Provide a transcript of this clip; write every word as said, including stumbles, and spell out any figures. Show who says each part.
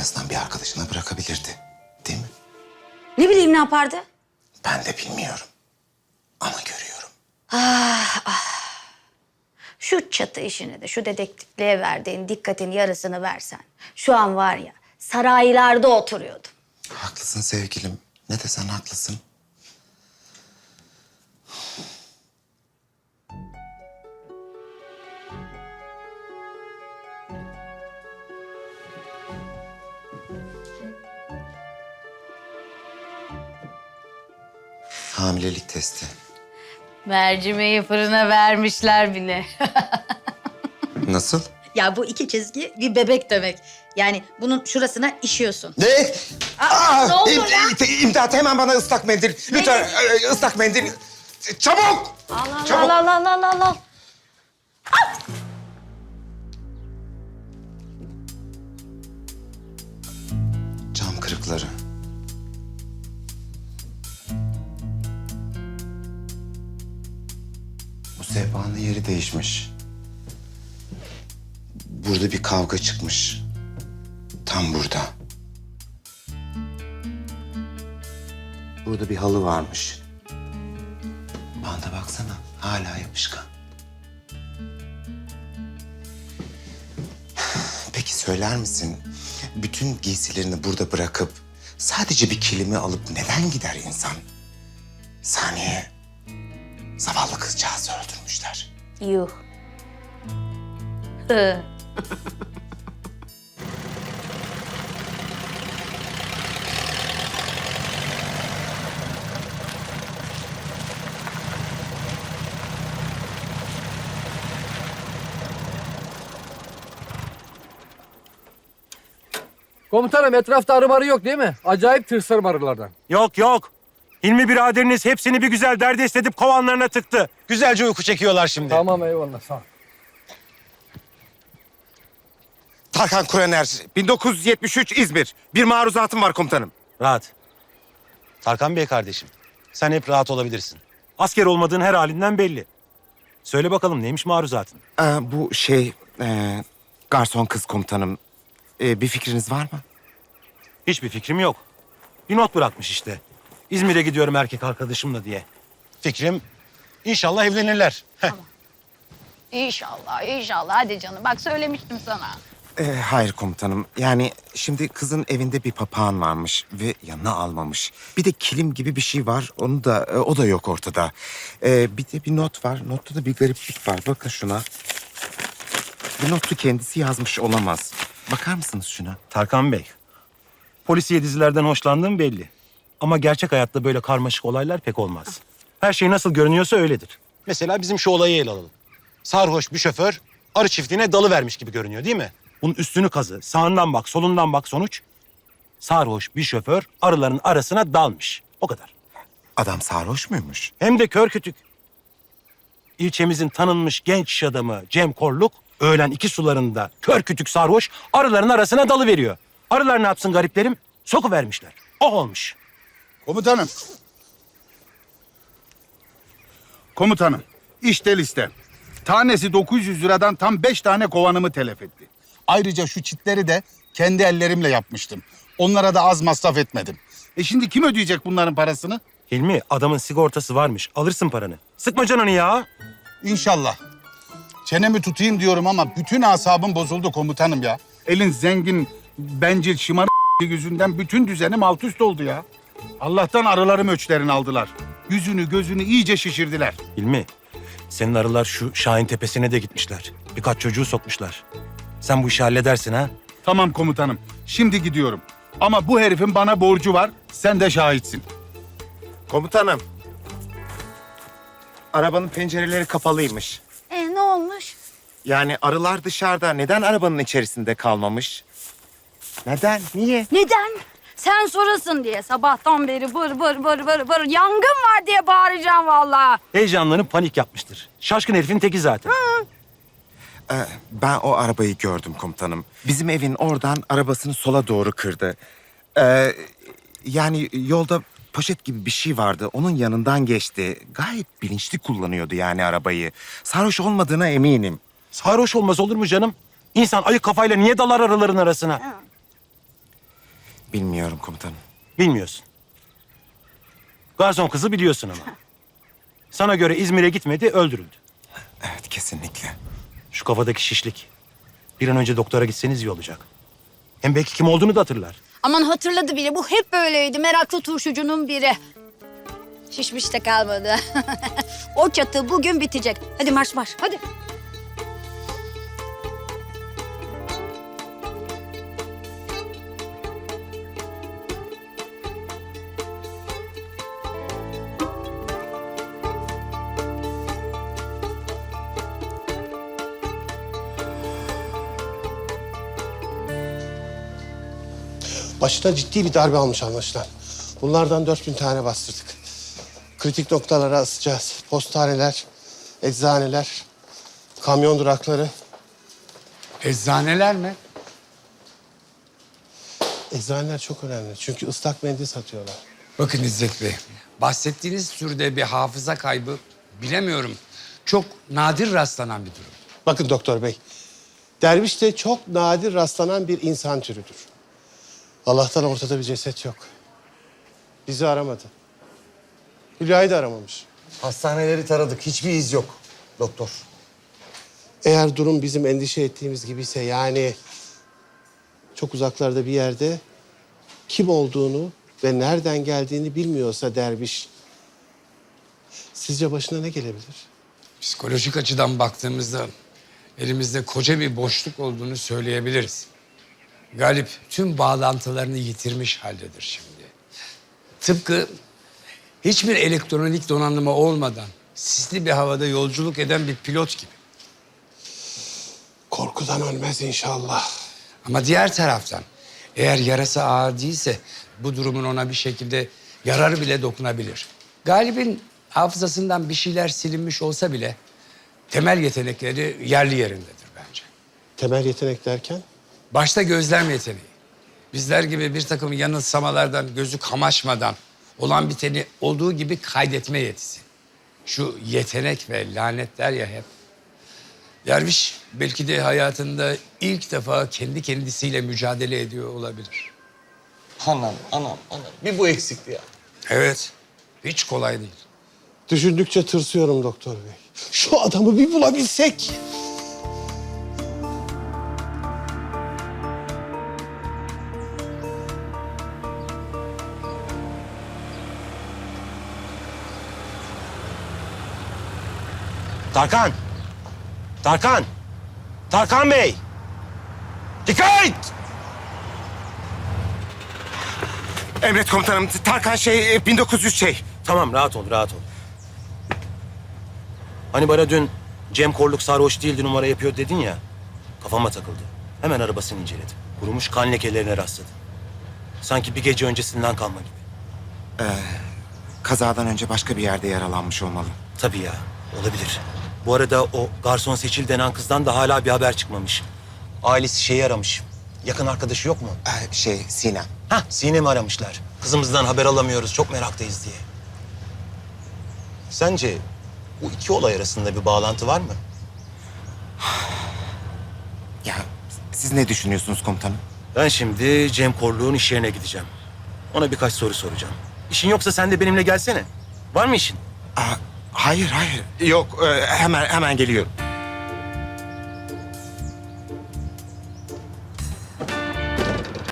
Speaker 1: azından bir arkadaşına bırakabilirdi. Değil mi?
Speaker 2: Ne bileyim ne yapardı?
Speaker 1: Ben de bilmiyorum. Ama görüyorum.
Speaker 2: Şu çatı işine de şu dedektifliğe verdiğin dikkatin yarısını versen. Şu an var ya saraylarda oturuyordum.
Speaker 1: Haklısın sevgilim. Ne desen haklısın. Hamilelik testi.
Speaker 2: Mercimeği fırına vermişler bile.
Speaker 1: Nasıl?
Speaker 2: Ya bu iki çizgi bir bebek demek. Yani bunun şurasına işiyorsun.
Speaker 1: Ne?
Speaker 2: Aa, ne oldu
Speaker 1: im-
Speaker 2: ya?
Speaker 1: im- İmdat hemen bana ıslak mendil. Lütfen e, ıslak mendil. Çabuk!
Speaker 2: Al al
Speaker 1: Çabuk.
Speaker 2: al al al al al.
Speaker 1: Cam kırıkları. Bu sehpanın yeri değişmiş. Burada bir kavga çıkmış. Tam burada. Burada bir halı varmış. Bana baksana, hala yapışkan. Peki söyler misin, bütün giysilerini burada bırakıp sadece bir kilimi alıp neden gider insan? Saniye, zavallı kızcağızı öldürmüşler.
Speaker 2: Yuh. Hı.
Speaker 3: Komutanım etrafta arı marı yok değil mi? Acayip tırsarım arılardan.
Speaker 4: Yok yok. Hilmi biraderiniz hepsini bir güzel derdest edip kovanlarına tıktı. Güzelce uyku çekiyorlar şimdi.
Speaker 3: Tamam eyvallah sağ ol.
Speaker 5: Tarkan Kurener, bin dokuz yüz yetmiş üç İzmir. Bir maruzatım var komutanım.
Speaker 4: Rahat. Tarkan Bey kardeşim, sen hep rahat olabilirsin. Asker olmadığın her halinden belli. Söyle bakalım neymiş maruzatın?
Speaker 5: Ee, bu şey, e, garson kız komutanım. Ee, bir fikriniz var mı?
Speaker 4: Hiçbir fikrim yok. Bir not bırakmış işte. İzmir'e gidiyorum erkek arkadaşımla diye. Fikrim inşallah evlenirler. Heh.
Speaker 2: İnşallah, inşallah. Hadi canım. Bak söylemiştim sana.
Speaker 5: Ee, hayır komutanım. Yani şimdi kızın evinde bir papağan varmış ve yanına almamış. Bir de kilim gibi bir şey var. Onu da e, o da yok ortada. Ee, bir de bir not var. Notta da bir gariplik var. Bakın şuna. Bu notu kendisi yazmış olamaz. Bakar mısınız şuna?
Speaker 4: Tarkan Bey, polisiye dizilerden hoşlandığım belli. Ama gerçek hayatta böyle karmaşık olaylar pek olmaz. Her şey nasıl görünüyorsa öyledir. Mesela bizim şu olayı ele alalım. Sarhoş bir şoför arı çiftliğine dalı vermiş gibi görünüyor değil mi? Bunun üstünü kazı, sağından bak, solundan bak sonuç. Sarhoş bir şoför arıların arasına dalmış. O kadar.
Speaker 5: Adam sarhoş muymuş?
Speaker 4: Hem de kör kütük. İlçemizin tanınmış genç iş adamı Cem Korluk öğlen iki sularında kör kütük sarhoş arıların arasına dalı veriyor. Arılar ne yapsın gariplerim? Sokuvermişler. O olmuş.
Speaker 6: Komutanım. Komutanım, işte liste. Tanesi dokuz yüz liradan tam beş tane kovanımı telef etti. Ayrıca şu çitleri de kendi ellerimle yapmıştım. Onlara da az masraf etmedim. E şimdi kim ödeyecek bunların parasını?
Speaker 4: Hilmi adamın sigortası varmış. Alırsın paranı. Sıkma canını ya.
Speaker 6: İnşallah. Çenemi tutayım diyorum ama bütün asabım bozuldu komutanım ya. Elin zengin, bencil, şımarık yüzünden bütün düzenim alt üst oldu ya. Allah'tan arılarım öçlerini aldılar. Yüzünü gözünü iyice şişirdiler.
Speaker 4: Hilmi senin arılar şu Şahin Tepesi'ne de gitmişler. Birkaç çocuğu sokmuşlar. Sen bu işi halledersin ha.
Speaker 6: Tamam komutanım, şimdi gidiyorum. Ama bu herifin bana borcu var, sen de şahitsin.
Speaker 5: Komutanım. Arabanın pencereleri kapalıymış.
Speaker 2: E ne olmuş?
Speaker 5: Yani arılar dışarıda. Neden arabanın içerisinde kalmamış? Neden? Niye?
Speaker 2: Neden? Sen sorasın diye sabahtan beri bır bır bır bır bır yangın var diye bağıracağım vallahi.
Speaker 4: Heyecanlanıp panik yapmıştır. Şaşkın herifin teki zaten.
Speaker 5: Ee, ben o arabayı gördüm komutanım. Bizim evin oradan arabasını sola doğru kırdı. Ee, yani yolda poşet gibi bir şey vardı. Onun yanından geçti. Gayet bilinçli kullanıyordu yani arabayı. Sarhoş olmadığına eminim.
Speaker 4: Sarhoş olmaz olur mu canım? İnsan ayık kafayla niye dalar arıların arasına?
Speaker 5: Bilmiyorum komutanım.
Speaker 4: Bilmiyorsun. Garson kızı biliyorsun ama. Sana göre İzmir'e gitmedi, öldürüldü.
Speaker 5: Evet, kesinlikle.
Speaker 4: Şu kafadaki şişlik. Bir an önce doktora gitseniz iyi olacak. Hem belki kim olduğunu da hatırlar.
Speaker 2: Aman hatırladı bile. Bu hep böyleydi. Meraklı turşucunun biri. Şişmiş de kalmadı. O çatı bugün bitecek. Hadi marş marş. Hadi.
Speaker 7: Başına ciddi bir darbe almış anlaşılan. Bunlardan dört bin tane bastırdık. Kritik noktalara asacağız. Postaneler, eczaneler, kamyon durakları.
Speaker 8: Eczaneler mi?
Speaker 7: Eczaneler çok önemli çünkü ıslak mendil satıyorlar.
Speaker 8: Bakın İzzet Bey, bahsettiğiniz türde bir hafıza kaybı bilemiyorum. Çok nadir rastlanan bir durum.
Speaker 7: Bakın doktor bey, derviş de çok nadir rastlanan bir insan türüdür. Allah'tan ortada bir ceset yok. Bizi aramadı. Hülya'yı da aramamış.
Speaker 9: Hastaneleri taradık. Hiçbir iz yok doktor.
Speaker 7: Eğer durum bizim endişe ettiğimiz gibiyse yani çok uzaklarda bir yerde kim olduğunu ve nereden geldiğini bilmiyorsa derviş sizce başına ne gelebilir?
Speaker 8: Psikolojik açıdan baktığımızda elimizde koca bir boşluk olduğunu söyleyebiliriz. Galip tüm bağlantılarını yitirmiş haldedir şimdi. Tıpkı hiçbir elektronik donanımı olmadan sisli bir havada yolculuk eden bir pilot gibi.
Speaker 7: Korkudan ölmez inşallah.
Speaker 8: Ama diğer taraftan eğer yarası ağır değilse bu durumun ona bir şekilde yararı bile dokunabilir. Galip'in hafızasından bir şeyler silinmiş olsa bile temel yetenekleri yerli yerindedir bence.
Speaker 7: Temel yetenek derken?
Speaker 8: Başta gözlem yeteneği. Bizler gibi bir takım yanılsamalardan gözü kamaşmadan olan biteni olduğu gibi kaydetme yetisi. Şu yetenek ve lanetler ya hep. Derviş belki de hayatında ilk defa kendi kendisiyle mücadele ediyor olabilir.
Speaker 9: Anam, anam, anam. Bir bu eksikti ya.
Speaker 8: Evet, hiç kolay değil.
Speaker 7: Düşündükçe tırsıyorum doktor bey. Şu adamı bir bulabilsek.
Speaker 4: Tarkan! Tarkan! Tarkan Bey! Dikkat!
Speaker 5: Emret komutanım. Tarkan şey e, bin dokuz yüz şey.
Speaker 4: Tamam, rahat ol, rahat ol. Hani bana dün Cem Korluk sarhoş değildi, numara yapıyor dedin ya. Kafama takıldı. Hemen arabasını inceledim. Kurumuş kan lekelerine rastladım. Sanki bir gece öncesinden kalma gibi.
Speaker 5: Kazadan önce başka bir yerde yaralanmış olmalı.
Speaker 4: Tabii ya, olabilir. Bu arada o garson Seçil denen kızdan da hala bir haber çıkmamış. Ailesi şeyi aramış. Yakın arkadaşı yok mu?
Speaker 5: Ee, şey Sinem.
Speaker 4: Hah, Sinem'i aramışlar. Kızımızdan haber alamıyoruz, çok meraktayız diye. Sence bu iki olay arasında bir bağlantı var mı?
Speaker 5: Ya siz ne düşünüyorsunuz komutanım?
Speaker 4: Ben şimdi Cem Korluk'un iş yerine gideceğim. Ona birkaç soru soracağım. İşin yoksa sen de benimle gelsene. Var mı işin?
Speaker 5: Aa, hayır hayır. Yok e, hemen hemen geliyorum.